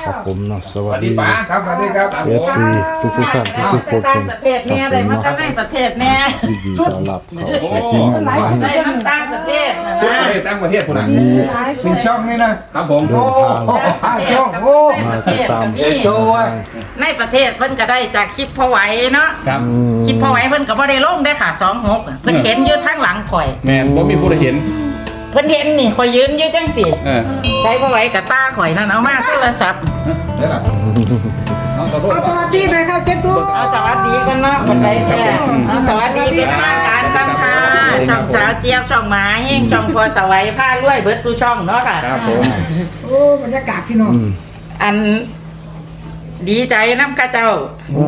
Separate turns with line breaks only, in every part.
ครับผมเนาะสวัสดี
ป้าครับสวัสดีครับ
FC ทุกท่านทุกคน
ต่างประเทศแน่เลยมันก็ในประเทศแน่
ยินดีต้อนรับเข้าสู่ที่งานร้าน
ได้น้ำต่างประเทศนะ
ทั่วประเทศตั้งประเทศคน
วั
นั้น น
นี้
สี่ช่องนี่นะครับผม
เดินทาง
5 ช่องโอ้
มาติดตาม
ตัว
ในประเทศเพิ่นก็ได้จากคลิปพ่อไหวเนาะ
ครับ
คลิปพ่อไหวเพิ่นก็บ่ได้ลงได้ค่ะ26เพิ่นเห็นอยู่ทางหลังข่อย
แม่ผมมีผู้ใดเห็น
เพิ่นเห็นนี่ข่อยยืนอยู่จังซี่
เออ
ใช้พ่อไหวกับตาข่อยนั่นเอามาโทรศัพท์
เดี๋ยวล่ะน้องขอโทษ
สวัสดีเลยค่ะเจ๊ตุ๊ก
เอาสวัสดีกันเนาะคนใดแท้เอาสวัสดีเป็นทางการกันค่ะช่องสาวเจี๊ยบช่องหมาเฮงช่องพอสวัยผ้ารวยเบิดสู่ช่องเนาะค่ะ
ครับผม
โอ้บรรยากาศพี่น้อง
อันดีใจน้ำข้าเจ้า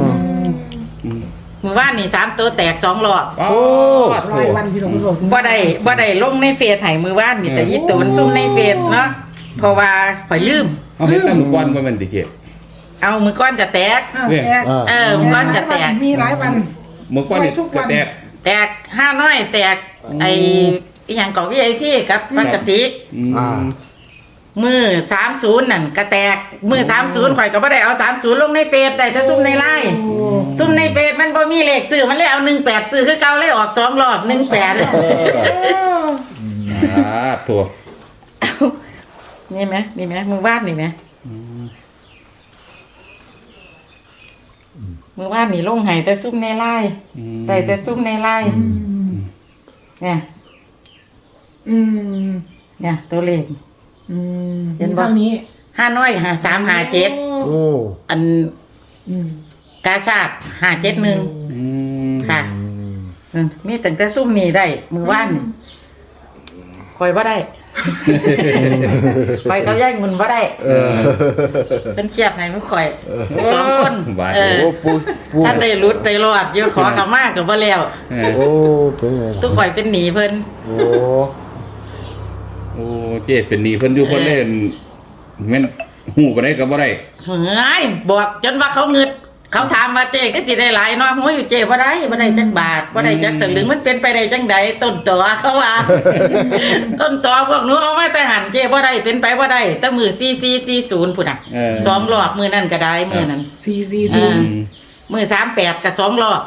มือว่านนี่3ตัวแตก2รอบ
โอ้
รายวันพี่น้องพี่น้อง
บ่ได้ลงในเฟซให้มือว่านนี่แต่ยี่ตูนซุ่มในเฟซเนาะเพราะว่าข่อยลืม
เอาเห็นตั้งหมู่บ้านมาเป็นติเกต
เอามือก้อนก็แตก
แตก
มือก้อนก็แตก
มีหลายวัน
หมู่บ้านนี่กระแตก
แตก5น้อยแตกไอ้อีหยังก็ VIP กับปกติ มือ30นั่นก็แตกมือ30ข่อยก็บ่ได้เอา30ลงในเฟซได้แต่ซุ่มในไลน์ซุ่มในเฟซมันบ่มีเลขซื้อมันเลยเอา18ซื้อคือเก่าเลยออก2รอบ18
ถั่ว
นี่ไหมมือวาดนี่ไหมมือวาดนี่ลงไห้แต่ซุ่มในไล่ได้แต่ซุ่มในไล่เนี่ย เนี่ยตัวเลข
เห็นทางนี้
5น้อย3 5 7
โอ้
อันกาชาด571ค่ะมีตั้งแต่ซุ่มนี่ได้มือวาดนี่คอยบ่ได้คอยเขาแย่งเงินบ่ได้เป็นเครียดให้มันคอย2คน
โอ้ปูปู
ท่านได้รุดได้รอดอยู่ขอกลับมาก็บ่แล้ว
โอ้เป็นไง
ทุกข่อยเป็นหนีเพิ่น
โอ้
โอ้เจ๊เป็นหนี้เพิ่นอยู่เพิ่นเล่นแม่นหูบ่ได้ก็บ่ได้
เฮ้ยบอกจนว่าเขาเงึดเขาถามว่าเจ๊ก็สิได้หลายเนาะโหอยู่เจ๊บ่ได้จักบาทบ่ได้จักสลึงมันเป็นไปได้จังใดต้นตอเขาว่า ต้นตอพวกหนูเอามาแต่หันเจ๊บ่ได้เป็นไปบ่ได้แต่มือ4440พุ่นน่ะ2รอบมือนั่นก็ได้มือนั้น
440
มือ38ก็2รอบ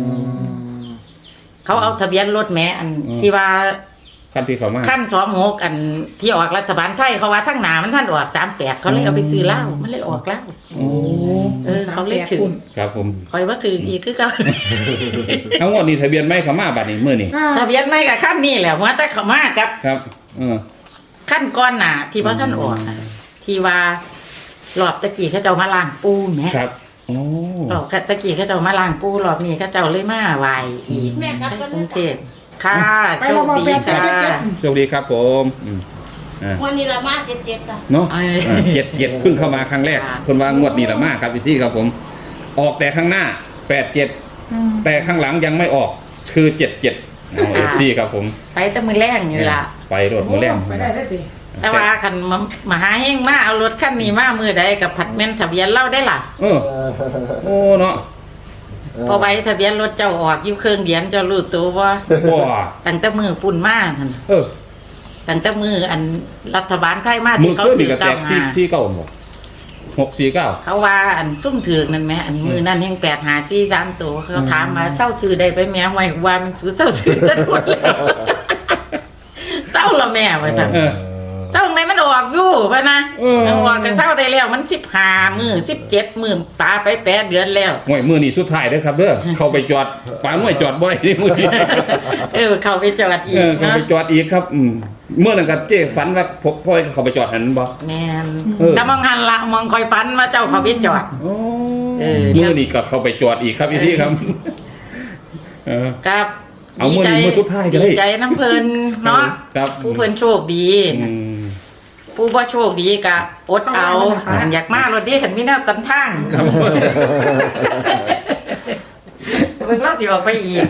เขาเอาทะเบียนรถแหมอันที่ว่า
ขั้นที่เขามา
ขั้น26อันที่ออกรัฐบาลไทยเขาว่าทั้งหนามันท่านออก38เขาเลยเอาไปซื้อเหล้ามันเลยออกเหล้าเขาเลยถือ
ครับผม
คอยว่าถืออีกคือเขา
ทั้งหมดนี่ทะเบียนไม่เขามาบัดนี้มื้อนี้
ทะเบียนไม่กับขั้นนี่แหละว่าแต่เขามากับ
ครับ
ขั้นก้อนหนาที่ว่าท่านออกน่ะที่ว่ารอบตะกี้เขาเจ้ามาล้างปูแหม
ครับโอ้
รอบตะกี้เขาเจ้ามาล้างปูรอบนี้เขาเจ้าเลยมาไหวอีกกรุงเทพค่ะโชคดีค่ะ
โชคดีครับผม
วันนี้ละมาเจ็ดอ่ะ
เนาะเจ็ดเพิ่งเข้ามาครั้งแรกคนว่างวดนี้ละมากครับพี่ซี่ครับผม ออกแต่ข้างหน้า87แต่ข้างหลังยังไม่ออกคือ77เอาพี่ครับผม
ไปแต่มือแรงอยู่ล่ะ
ไปรถมือแรง
ไปได้ได้ติ
แต่ว่าคันมาหาเฮงมาเอารถคันนี้มามือใดกับผัดแม่นทะเบียนเล่าได้ล่ะ
โอ้เนาะ
พอใบทะเบียนรถเจ้าออกอยู่เครื่องเดียนเจ้ารู้ตัวว่า
ว้า
ตั้งแต่มือปุ่นมาหั่น ตั้งแต่มืออันรัฐบาลไทยมา
มื
ที่
อ
เขา
ขึ้น
ถื
นี่
อ
ก็แต
เก้าก มา
ซี่เก้าหมด649
เขาว่าอันซุ่มถือกนั่นไหมอันมือนั่นแห่ง854 3ตัวเขาถามมาเศร้าซื้อได้ไปแม่ไว้ว่ามันซื้อเศร้าซื้อจะหมดแล้วเศร้าละแม่ว่าซั่นเศร้าไหนมันออกอยู่ป่ะนะมันออกก็เศร้าได้แล้วมัน15มื้อ17มื้อปาไป8เดือนแล้ว
ห่วยมือนี่สุดท้ายเด้อครับเด้อเข้าไปจอดปาหน่วยจอดบ่ได้นี่มือนี้
เข้าไปจอดอีก
เข้าไปจอดอีกครับเมื่อนั้นก็เจ๊ฝันว่าพ่อยเข้าไปจอดหันบ่
แม่นแต่มองหันละมองคอยปันว่าเจ้าเขาไปจอด
มือนี่ก็เข้าไปจอดอีกครับพี่ครับ
ครับ
เอามือนี้มือสุดท้ายก็ได้
ดีใจน้ำเพลินเนาะ
ครับ
ผู้เพลินโชคดีผู้บ่โชคดีกะอดเอาอยากมารถดีเห็นมีแนวตันทางเพิ่งเล่าสิออกไปอีก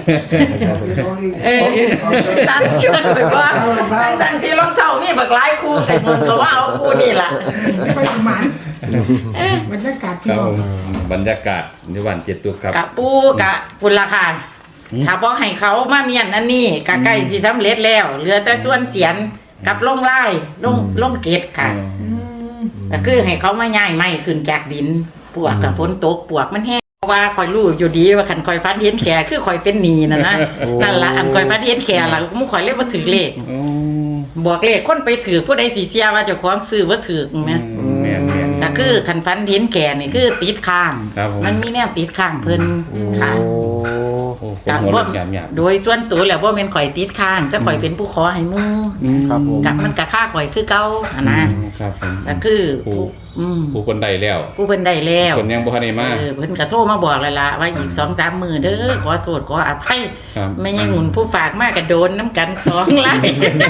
ตันเชื่อไปว่าตั้งที่รองเท้านี่บักหลายคู่แต่มึงก็ว่าเอาคู่นี่ล่ะ
ไม่ค่อยหมานบรรยากาศพี่
ครับ
น้อง
บรรยากาศในวันเจ็ดตุกครับ
กะปูกะพุ่นราคาถ้าบ่ให้เขามาเมียนอันนี้กะใกล้สิสำเร็จแล้วเหลือแต่ส่วนเสียนกับลงไล่ลงเกตค่ะก็คือให้เขามาย้ายไม้ขึ้นจากดินปวกกับฝนตกปวกมันแห้งเพราะว่าคอยรู้อยู่ดีว่าคันคอยฟันเห็นแขคือคอยเป็นหนีนะนั่นละอันคอยฟันเห็นแขล่ะมุคอยเรียกว่าถือเลข
โอ้
บอกเลขคนไปถือผู้ใดสิเสียว่าเจ้าของซื้อว่าถือนะ
แม่น
ก็คือคันฟันเห็นแขนี่คือติดข้าง
ครับผม
มันมีแนวติดข้างเพิ่นค่ะ
โอ้
โอ้ผมหัวลุกหยาบ
โดยส่วนตัวแล้วว่าเป็นข่อยติดข้างแต่ข่อยเป็นผู้ขอให้หมู่
ๆ
ครับผม
กับมันก็ค่าข่อยคือเก่าอะนะ
ครับผม
ก็คือ
ผู้
อืม
ผู้คนใดแล้ว
ผู้เพิ่นได้แล้ว
คนยังบ่ทันได้มา
เพิ่นก็โทรมาบอกแล้วล่ะว่าอีก 2-3 มื้อเด้อขอโทษขออภัย
ครับ
ไม่ยังหนุนผู้ฝากมากก็โดนน้ำกัน2 ไล่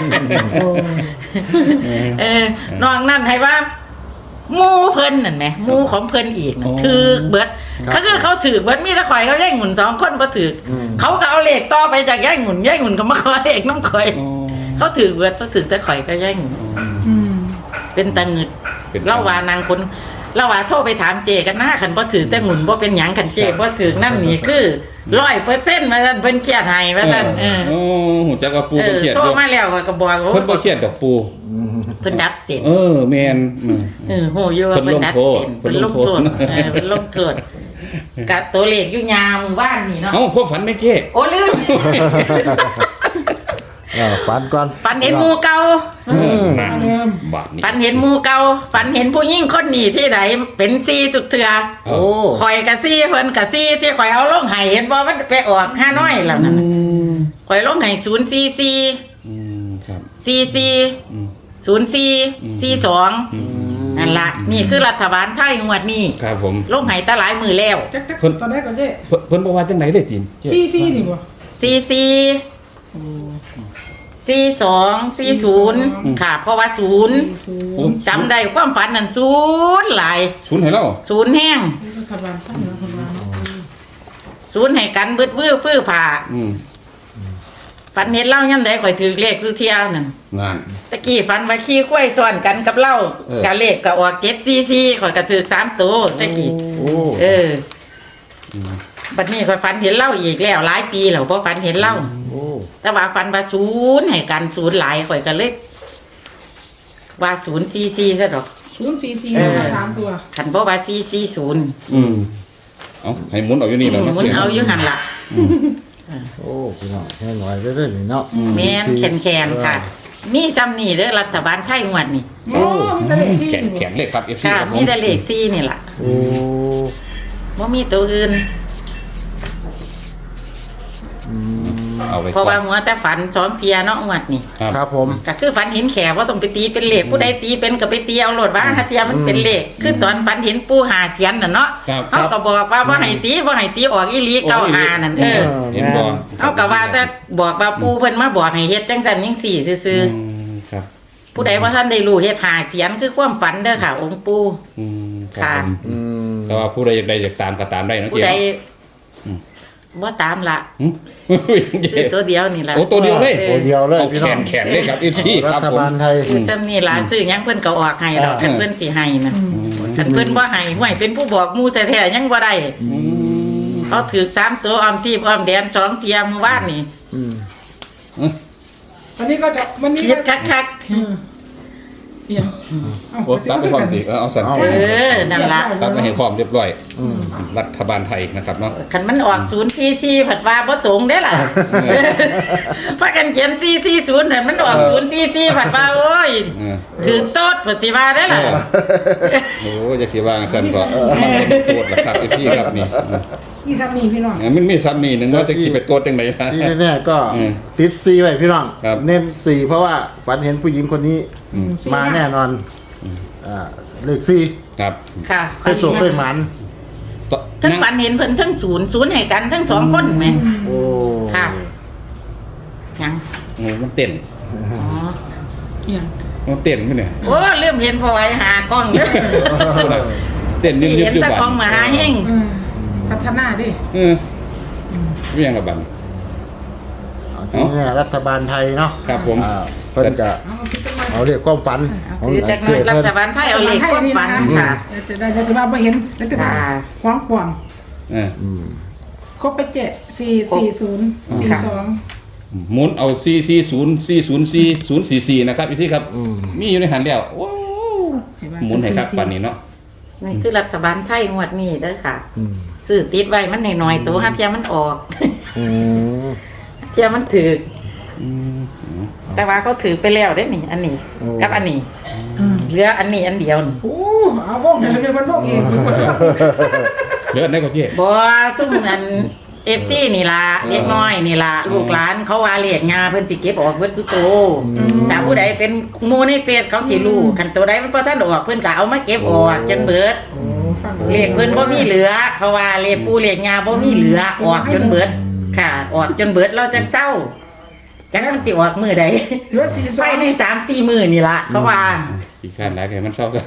นอกนั้นให้ว่าหมู่เพิ่นนั่นแหมหมู่ของเพิ่นอีกน่ะถือเบิดเขาถือเบิดมีแต่ข่อยเขาแย่งหนุน2คนบ่ถือเขาก็เอาเลขต่อไปจากแย่งหนุนก็มาขอเลขน้ำข่อย
โอ้
เขาถือเบิดเขาถือแต่ข่อยก็แย่งหนุน เป็นตะงึด
เป็นตะงึด
เล่าว่านางคนเล่าว่าโทรไปถามเจกันหน้าขันบ่ถือแต่หมุนบ่เป็นหยังขันเจบ่ถือนั่นนี่คือ100%ว่าซั่นเพิ่นเครียดให้ว่าซั่น
โอ้หูจักว่าปูเพิ่นเครียด
โทร
อยู่
มาแล้วก็บอกว่า
เพิ่นบ่เครียดดอกปู
เพิ่นดัดเส้น
แม่น
ฮู้อยู่ว่าเพิ่นดัดเส้น
เพิ่
เพิ่น
น
ล
ล
ง
ง
โท
โท
ษ
ษ
เพิ่นลงโทษกะตัวเลขอยู่ยามบ้านนี่เนาะ
เอ้าความฝันไม่เก้
โอ้ลืม
ฝันก่อน
ฝันเห็นหมู่เก่า
นั่นบาดนี้
ฝันเห็นหมู่เก่าฝันเห็นผู้หญิงคนนี้ที่ไหนเป็น4ทุกเทื่อ
โอ้
โอ้
ข่อยกะซี่เพิ่นกะซี่ที่ข่อยเอาลงให้เห็นบ่มันไปออก5น้อยแล้วนั่นน่ะข่อยลงให้044
ครับ
44 04 42นั่นล่ะนี่คือรัฐบาลไทยงวดนี้
ครับผม
ลงให้ตาหลายมือแล้ว
จักตอนแรกก็เด้
เพิ่นบอกว่าจังไหนได้จิม
ซี่นี่บ่
44 42 40ค่ะเพราะว่า0จำได้ความฝันนั่น0หลาย
ศูนย์ให้เรา
0แห้ง
รัฐบาลตั้งรัฐบาล
0ให้กันบึดวื้อฟื้อผ่าฝันเห็นเล่าย่ำใดข่อยถือเลขคือเที่ยวนั่น
งาน
ตะกี้ฝันว่าขี้กล้วยซ้อนกันกับเหล้า
เออ
กะเลขก็ออก744ข่อยก็ถือ3ตัวตะกี้
โอ้
บัดนี้ข่อยฝันเห็นเหล้าอีกแล้วหลายปีแล้วบ่ฝันเห็นเหล้า
โอ้
แต่ว่าฝันว่า0ให้กัน0หลายข่อยก็เลยว่า044ซะดอก
044มา3ตัว
คันบ่ว่า440
เอาให้หมุนเอาอยู่นี่แล้ว
หมุนเอาอยู่หั่นล่ะ
โอ้พี่น้องแค่หน่อยได้ๆนี่เนาะ
แม่นแคนๆค่ะ มีซ้ำนี่เด้อรัฐบาลไทยงวดนี่
โอ้มีแต่เลขซี่
แขน
นี่
แขนเลขครับ FC
ค่ะ
ครับผ
มี
ม
แต่เลข4นี่ล่ะ
โอ้
บ่มีตัวอื่น
เอาไว้
เพราะ
ก่อ
ว่าน หัวแต่ฝัน2เที่ยเนาะงวดนี่
ครับผม
ก็คือฝันเห็นแขกว่าต้องไปตีเป็นเลขผู้ใดตีเป็นก็ไปตีเอาโลดว่าถ้าเทียมันเป็นเลขคือตอนฝันเห็นปู่หาเสียนน่ะเนาะ
ครับ
เขาก็บอกว่าบ่ให้ตีออกอีหลีเก้าหานั่น
เห็นบ่
เขาก็ว่าแต่บอกว่าปู่เพิ่นมาบอกให้เฮ็ดจังซั่นจังซี่ซื่อ
ครับ
ๆผู้ใดว่าท่านได้รู้เฮ็ดหาเสียนคือความฝันเด้อค่ะ องค์ปู่
ครับผม
อืม
แต่ว่าผู้ใดอยากได้อยากตามก็ตามได้นะ
ผู้
เจ๊
ใด
อืม
บ่ตามละ
หึ
ซื้อตัวเดียวนี่ล่ะ
โอ้ตัวเดียวเลย
ตัวเดียวเลย
เอา
พี่
แข
น้อง
นแขนเลยครับ FC ค
รั
รับ
ฐ
ผม
บาลไทย
คือซ้ำนี่ล่ะซื้อหยังเพิ่นก็ออกให้ดอก
อ่า
คันเพิ่นสิให้น่ะคันเพิ่นบ่ให้ห่วยเป็นผู้บอกหมู่แท้ๆยังบ่ได้เขาถือ3ตัวออมทีบออมแดน2เที่ยมื้อวานนี่
อืม
วันนี้ก็จะวันนี้
คิด
ก็
คัก
เปลี่ยน
โอ้ตัดไปพร้อมสิเอาสั่น
ๆนั่นล่ะ
ตัดไปให้พร้อมเรียบร้อยรัฐบาลไทยนะครับเนาะ
คันมันออก044ผัดว่าบ่ตรงเด้ล่ะพากันเขียน440แต่มันออก044ผัดว่าโอ้ยถือโต๊ดปัจจิว่าได้ล่ะ
โอ้จะสิว่าสั่นก็มันเป็นโกรธล่ะครับพี่ครับนี่
นี่ครับนี่พี่น้อง
มันมีซ้ำนี่นึงว่าจะสิไปโกรธจังได๋
ที่แน่ๆก็
อืม
ติดซีไว้พี่น้อง
ครับ
เน้นซีเพราะว่าฝันเห็นผู้หญิงคนนี้มาแน่นอนเลขซี
ครับ
ค่ะ
เคยโศกเคยหมัน
ทั้งฝันเห็นเพิ่นทั้ง0ให้กันทั้ง2คนแหม
โอ้
ค่ะยัง
มันเต้น
อ๋อ
เนี่ย
มันเต้นมั้ยเนี่ย
โอ้เริ่มเห็นพอไว้หากล้องเด้อ
เต้น
ที่
ยึบ
เห็น
ๆอยู่
แตะ
บ้าน
กล้องมาหาเฮง
พัฒนาดิ
เรียงกับบัน
เอาที่แน่รัฐบาลไทยเนาะ
ครับผม
เพิ่นจะ
เอาคิดกันมา
เอาเรียกความฝันของ
คือจากนั้นรัฐบาลไทยเอาเลขความฝันค่ะ
จะได้จะว่าไม่เห็นแล้วจะว่าคว้างป่วง
เออ
ครบไป7 4 40 42
หมุนเอา440 404 044นะครับพี่ที่ครับ มีอยู่ในหันแล้วว้าว
เห็นไหม
หมุนให้คักปานนี้เนาะ
นี่คือรัฐบาลไทยงวดนี้เด้อค่ะ
อืม
ซื้อติดไว้มันน้อยๆตัวห้าเทียมันออก
อืม
เทียมันถือ
อืม
แต่ว่าเขาถือไปแล้วได้นี่อันนี้
โอ้
กับอันนี้เหลืออันนี้อันเดียวนี่
โอ้เอาวงไหนเป็นวันวงเอง
เหลือได้กว่าเจ๊
บ่ซุ่มอันFC นี่ล่ะเล็กน้อยนี่ล่ะลูกหลานเขาว่าเรียกงาเพิ่นสิเก็บออกเบิดสุโตถ้าผู้ใดเป็นหมู่ในเฟซเขาสิรู้คันตัวใดมันบ่ทันออกเพิ่นก็เอามาเก็บออกจนเบิด
โอ้ฟัง
เรียกเพิ่นบ่มีเหลือเพราะว่าเรียกปู่เรียกงาบ่มีเหลือออกจนเบิดค่ะ ออกจนเบิดเราจังเศร้าจังมันสิออกมื้อใด
เหลือสี่ซ
ไป
อง
ใน 3-4 มื้อนี่ล่ะเขาว่า
อีกขั้นหลายแค่มันเศร้ากัน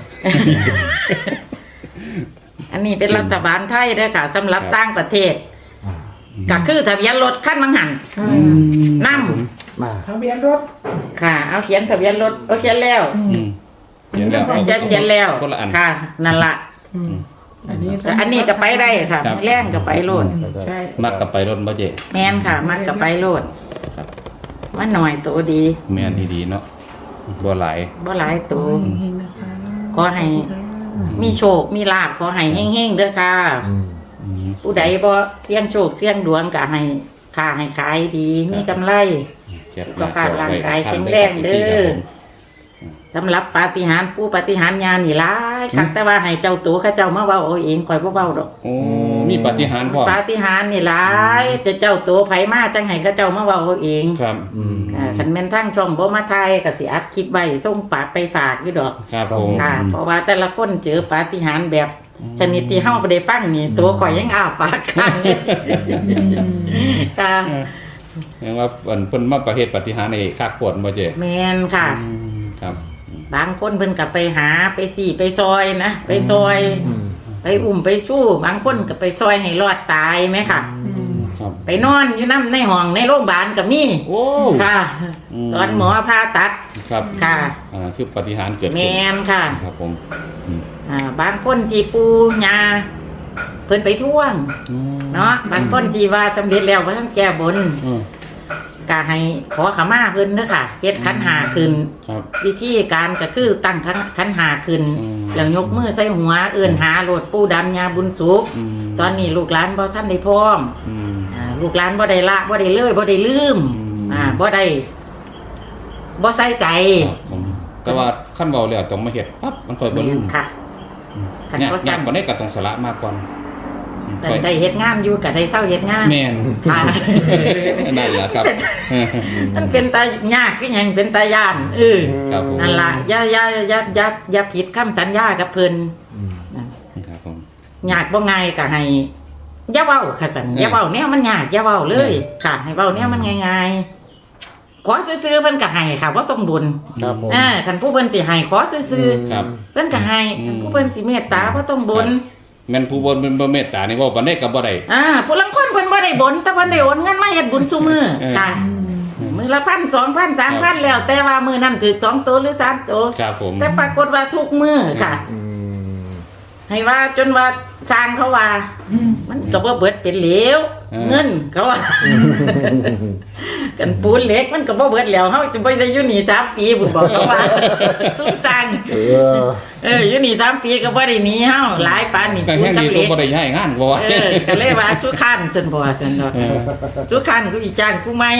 อันนี้เป็นรัฐบาลไทยเด้อค่ะสำหรับ
ครับ
ต่างประเทศก็คือทะเบียนรถคันมังหันนำ
มา
ทะเบียนรถ
ค่ะ เอาเขียนทะเบียนรถเอาเขียนแล้ว
อืมเขียนแล้ว
จะเขียนแล้ว
คนละอัน
ค่ะ นั่นล่ะ
อันนี้
แต่อันนี้ก็ไปได้ค่ะ
ครับ
แรงก็ไปโลด
ใช่
มักกับไปรถบ่เจ๊
แม่นค่ะ มันก็ไปโลดมันหน่อยตัวดี
แม่นดีๆเนาะบ่หลาย
บ่หลายตัว
เฮงๆนะคะ
ขอให้มีโชคมีลาภขอให้เฮงๆเด้อค่ะ
อืม
อืม
ผู้ใดบ่เสี่ยงโชคเสี่ยงดวงก็ให้ค้าให้ขายดีมีกำไร
เก็บ
สุขภาพร่างกายแข็งแรงเด้อ สำหรับปาฏิหาริย์ผู้ปาฏิหาริย์ญาณนี่หลายคักแต่ว่าให้เจ้าตัวเขาเจ้ามาเว้าเอาเองข่อยบ่เว้าดอก
โอ้มีปาฏิหาริย์พ่อ
ปาฏิหาริย์นี่หลายแต่เจ้าตัวไผมาจังให้เขาเจ้ามาเว้าเอาเอง
ครับ
อืม
คันแม่นทางช่องบ่มาถ่ายก็สิอัดคลิปไว้ส่งฝากไปฝากอยู่ดอก
ครับผม
ค่ะ เพราะว่าแต่ละคนเจอปาฏิหาริย์แบบชนิดที่เฮาบ่ได้ฟังนี่ตัวข่อยยังอ้าปากค้างเลยค่ะ
แปลว่าเพิ่นมาประเฮ็ดปาฏิหาริย์ในคักปวดบ่เจ๊
แม่นค่ะ
ครับ
บางคนเพิ่นก็ไปหาไปสี่ไปซอยนะไปซอย
อืม
ไปอุ้มไปสู้บางคนก็ไปซอยให้รอดตายไหมค่ะ
ครับ
ไปนอนอยู่น้ำในห้องในโรงพยาบาลก็มี
โอ้
ค่ะ
อืม
ตอนหมอผ่าตัด
ครับ
ค่ะ
คือปาฏิหาริย์เกิด
แม
ขึ้น
นค่ะ
ครับผมอืม
บางคนที่ปูยาเพิ่นไปท่วงเนาะบางคนที่ว่าสำเร็จแล้วว่าท่านแก้บน
อืม
ก็ให้ขอขมาเพิ่นเด้อค่ะเฮ็ดขันหาขึ้น
ครับ
วิธีการก็คือตั้งขันหาขึ้น
อืม
แล้วยกมือใส่หัวเอื้อนหาโลดปู่ดำยาบุญสุข
อืม
ตอนนี้ลูกหลานบ่ทันได้พร้อม
อืม
ลูกหลานบ่ได้ละบ่ได้เลยบ่ได้ลืม
อืม
บ่ได้บ่ใส่ใจ
ครับผมแต่ว่าขั้นเบาแล้วต้องมาเฮ็ดปั๊บมันค่อยบ่ลืม
ค่ะ คัน
ยาก
บ่
ยา
สั่
ก
น
กว่านี้ก็ต้องสละมาก่อน
แต่ได้เฮ็ดงานอยู่ก็ได้เศร้าเฮ็ดงาน
แม่น
ค่ะ
นั่นแหละครับ
มันเป็นตายากคือหยังเป็นตาย่าน
ครับผม
นั่นล่ะอย่าผิดคำสัญญากับเพิ่น
ครับผม
ยากบ่ง่ายก็ให้อย่าเว้าค่ะจังอย่าเว้าแนวมันยากอย่าเว้าเลย ค่ะให้เว้าแนวมันง่ายๆขอซื้อๆเพิ่นก็ให้ค่ะบ่ต้องบุญ
ครับผม
คันผู้เพิ่นสิให้ขอซื้อๆ
ครับ
เพิ่นก็ให้
อืม
ผู้เพิ่นสิเมตตาบ่ต้องบน
แม่นผู้บ่เมตตานี่เว้าปานใดก็บ่ได้
ผู้ลังคนเพิ่นบ่ได้บนแต่เพิ่นได้โอนเงินมาเฮ็ดบุญซุมื้อ
เออ
ค่ะมื้อละ 1,000 2,000 3,000แล้วแต่ว่ามื้อนั้นถูก2ตัวหรือ3ตัว
ครับผม
แต่ปรากฏว่าทุกมื้อค่ะ
อืม
ให้ว่าจนว่าสร้างเขาว่า มันก็บ่เบิดเป็นเหลวเงินเขาว่า กันปูนเหล็กมันก็บ่เบิดแล้วเฮาจะบ่ได้อยู่นี่3ปีบุญบอกเขาว่า สู้สร้าง อยู่นี่3ปีก็บ่ได้หนีเฮาหลายปานนี่
ก็
ปู
แห้
น
ง
กับ
ดี
เห
ตั
ล็
ว
ก
บ่ได้ย้ายงานบ่ว่า
ก็เลยว่าสู้คันซั่นบ่ซั่นดอกสู้คันกูอีจ้างกูใหม่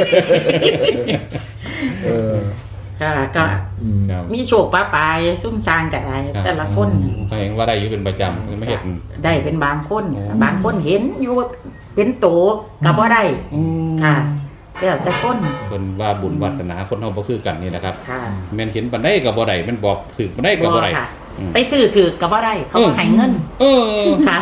เออ
ค่ะก็
อืม
ครับ
มีโชคปะปายซุ่มสร้างก็ได้แต่ละคน
ก็เห็นว่าได้อยู่เป็นประจำไม่เฮ็ด
ได้เป็นบางคน
อ๋อ
บางคนเห็นอยู่เป็นโตก็บ่ได้ค่ะแล้วแต่คน
เพิ่นว่าบุญวาสนาคนเฮาบ่คือกันนี่แหละครับ
ค่ะ
แม่นเห็นปานใดก็บ่ได้แม่นบอกถึกปานใดก็บ่ได้
ค่ะ
อืม
ไปซื้อถือก็บ่ได้เขาบ่ให้เงิน
เออ
ค่ะ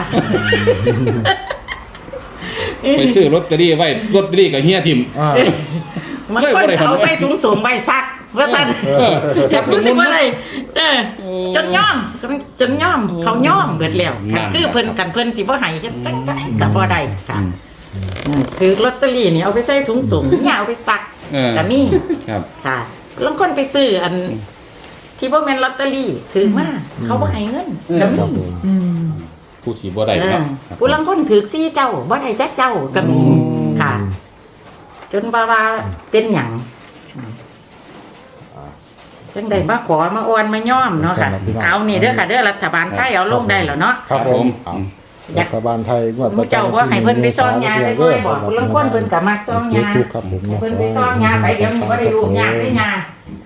ไปซื้อลอตเตอรี่ไว้ลอตเตอรี่ก็เฮียทิ่ม
อ่า
มันคนเอาใส่ถุงสูงใบซักว่าซั่น
ซัก
รู้สึกว่าอะไร
โอ้
จนย่อมเขาย่อมเบิดแล้ว
นั่น
คือเพิ่นกันเพิ่นสิบ่ให้เฮ็ดจังได๋ก็บ่ได้ค่ะ
อืม
ถือลอตเตอรี่นี่เอาไปใส่ถุงสูงอย่าเอาไปซัก
เออ
ก็มี
ครับ
ค่ะลางคนไปซื้ออัน ที่บ่แม่นลอตเตอรี่ถือมาเขาบ่ให้เงินก็
ครับ
มี
ผม
ผู้สิบ่ได้เนาะครับ
ผู้ลางคนถือ4เจ้าบ่ได้จักเจ้าก็มีค่ะ จนว่าเป็นหยังจังได้มาขอมาอ้อนมาย่อมเนาะค่ะเอานี่เด้อค่ะเด้อรัฐบาลไทยเอาลงได้แล้วเนาะ
ครับผมรัฐบาลไทยงวด
หมู่เจ้าว่าให้เพิ่นไปซ่องยาได้ด้วยบอกผู้ลางคนเพิ่นก็มักซ่องยา
ถูกครับผม
เพิ่นไปซ่องยาไปเดี๋ยวนี้บ่ได้ลูกยาได้ยา